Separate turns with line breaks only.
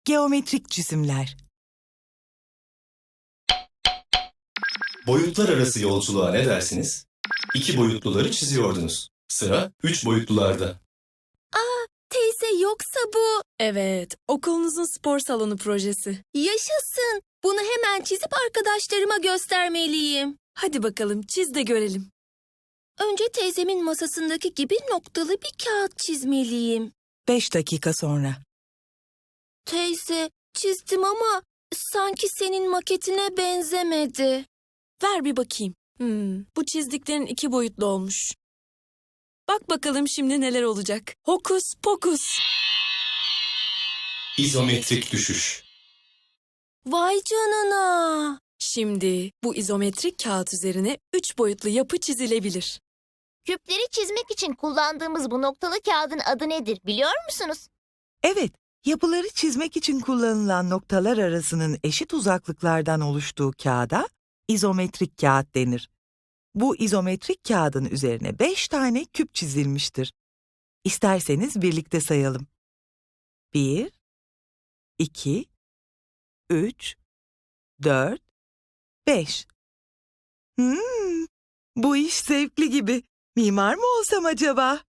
Geometrik çizimler.
Boyutlar arası yolculuğa ne dersiniz? 2 boyutluları çiziyordunuz. Sıra 3 boyutlularda.
Teyze yoksa bu...
Evet, okulunuzun spor salonu projesi.
Yaşasın. Bunu hemen çizip arkadaşlarıma göstermeliyim.
Hadi bakalım çiz de görelim.
Önce teyzemin masasındaki gibi noktalı bir kağıt çizmeliyim.
5 dakika sonra.
Teyze, çizdim ama sanki senin maketine benzemedi.
Ver bir bakayım. Bu çizdiklerin 2 boyutlu olmuş. Bak bakalım şimdi neler olacak. Hokus pokus.
İzometrik düşüş.
Vay canına.
Şimdi bu izometrik kağıt üzerine 3 boyutlu yapı çizilebilir.
Küpleri çizmek için kullandığımız bu noktalı kağıdın adı nedir biliyor musunuz?
Evet, yapıları çizmek için kullanılan noktalar arasının eşit uzaklıklardan oluştuğu kağıda izometrik kağıt denir. Bu izometrik kağıdın üzerine 5 tane küp çizilmiştir. İsterseniz birlikte sayalım. 1, 2, 3, 4, 5. Bu iş zevkli gibi. Mimar mı olsam acaba?